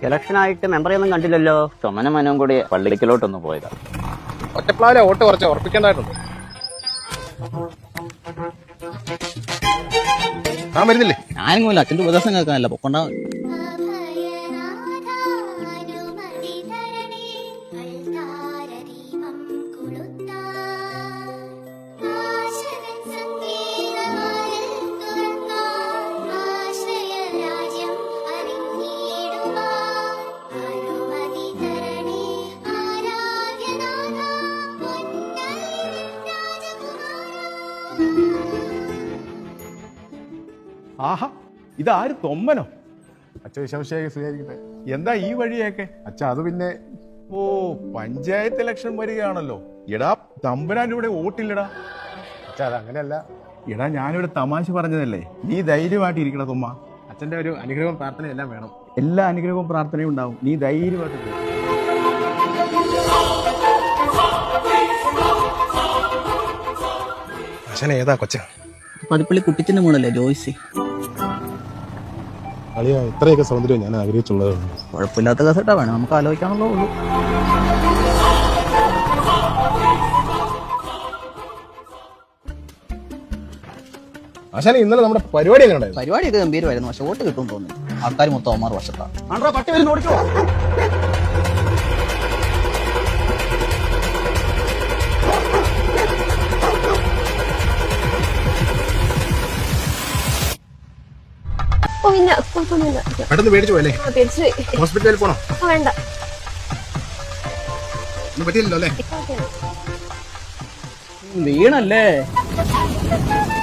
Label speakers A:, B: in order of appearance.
A: ഇലക്ഷനായിട്ട് മെമ്പറൊന്നും കണ്ടില്ലല്ലോ.
B: ചുമന മനവും കൂടി പള്ളിക്കലോട്ടൊന്ന് പോയതാ.
C: ഒറ്റപ്ലാവിലെ വോട്ട് കുറച്ച് ഉറപ്പിക്കേണ്ടതായിട്ടുണ്ട്. ഞാൻ വരുന്നില്ലേ?
B: ഞാനും അച്ഛൻ്റെ ഉപദേശം കേൾക്കാനല്ല പൊക്കൊണ്ടാ.
D: ആഹാ, ഇതാര് തൊമ്മനോ?
C: അച്ഛൻ വിശേഷം സ്വീകരിക്കട്ടെ.
D: എന്താ ഈ വഴിയൊക്കെ?
C: അച്ഛ അത് പിന്നെ
D: ഓ, പഞ്ചായത്ത് ഇലക്ഷൻ വരികയാണല്ലോ. എടാ തമ്പുരാൻ്റെ ഇവിടെ വോട്ടില്ലടാ.
C: അച്ഛ അത് അങ്ങനെയല്ല.
D: എടാ ഞാനിവിടെ തമാശ പറഞ്ഞതല്ലേ. നീ ധൈര്യമായിട്ട് ഇരിക്കണ തൊമ്മ.
C: അച്ഛൻ്റെ ഒരു അനുഗ്രഹവും പ്രാർത്ഥനയും എല്ലാം വേണം.
D: എല്ലാ അനുഗ്രഹവും പ്രാർത്ഥനയും ഉണ്ടാവും. നീ ധൈര്യമായിട്ട് പോ.
C: അച്ഛനെ ഏതാ കൊച്ച?
B: പതിപ്പള്ളി കുട്ടിച്ചിന്റെ മോളല്ലേ ജോയ്സി.
C: അളിയ ഇത്രയൊക്കെ സൗന്ദര്യം ഞാൻ ആഗ്രഹിച്ചുള്ളത്.
B: കുഴപ്പമില്ലാത്ത കേസട്ടാ, വേണം നമുക്ക് ആലോചിക്കാനുള്ളൂ.
C: ആശാനെ ഇന്നലെ നമ്മുടെ പരിപാടി എങ്ങനെ ഉണ്ടായിരുന്നു?
B: പരിപാടിയൊക്കെ ഗംഭീരമായിരുന്നു, പക്ഷെ വോട്ട് കിട്ടും തോന്നുന്നു. ആൾക്കാർ മൊത്തം 6 വർഷത്താണ്.
D: പട്ടി വരുന്ന ഓടിക്കോ.
C: പെട്ടെന്ന് പേടിച്ചു പോയല്ലേ? ഹോസ്പിറ്റലിൽ പോണോ?
E: വേണ്ട,
C: ഒന്നും പറ്റിയില്ലല്ലോ അല്ലേ?
B: വീണല്ലേ?